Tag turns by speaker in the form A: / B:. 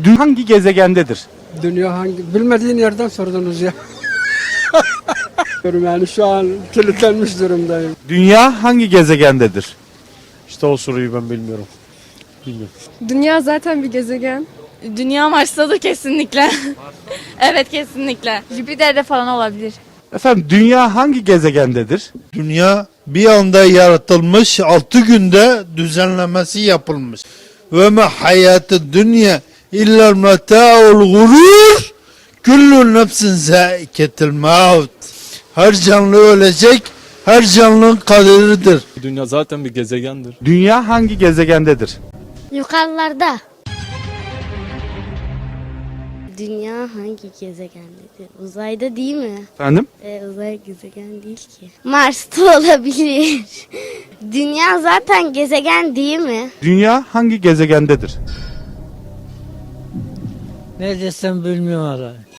A: Hangi gezegendedir?
B: Dünya hangi? Bilmediğin yerden sordunuz ya. Yani şu an kilitlenmiş durumdayım.
A: Dünya hangi gezegendedir?
C: İşte o soruyu ben bilmiyorum. Bilmiyorum.
D: Dünya zaten bir gezegen.
E: Dünya Mars'tadır kesinlikle. Evet kesinlikle.
F: Jüpiter'de falan olabilir.
A: Efendim dünya hangi gezegendedir?
G: Dünya bir anda yaratılmış, 6 günde düzenlemesi yapılmış. Ve me hayatı dünya illa meta'ul gurur. Kullu nefsin zâiketil maut. Her canlı ölecek, her canlının kaderidir.
C: Dünya zaten bir gezegendir.
A: Dünya hangi gezegendedir?
H: Yukarılarda. Dünya hangi gezegendedir? Uzayda değil mi?
A: Efendim?
H: Uzay gezegen değil ki. Mars'ta olabilir. Dünya zaten gezegen değil mi?
A: Dünya hangi gezegendedir?
I: Ne desem bilmiyorum hala.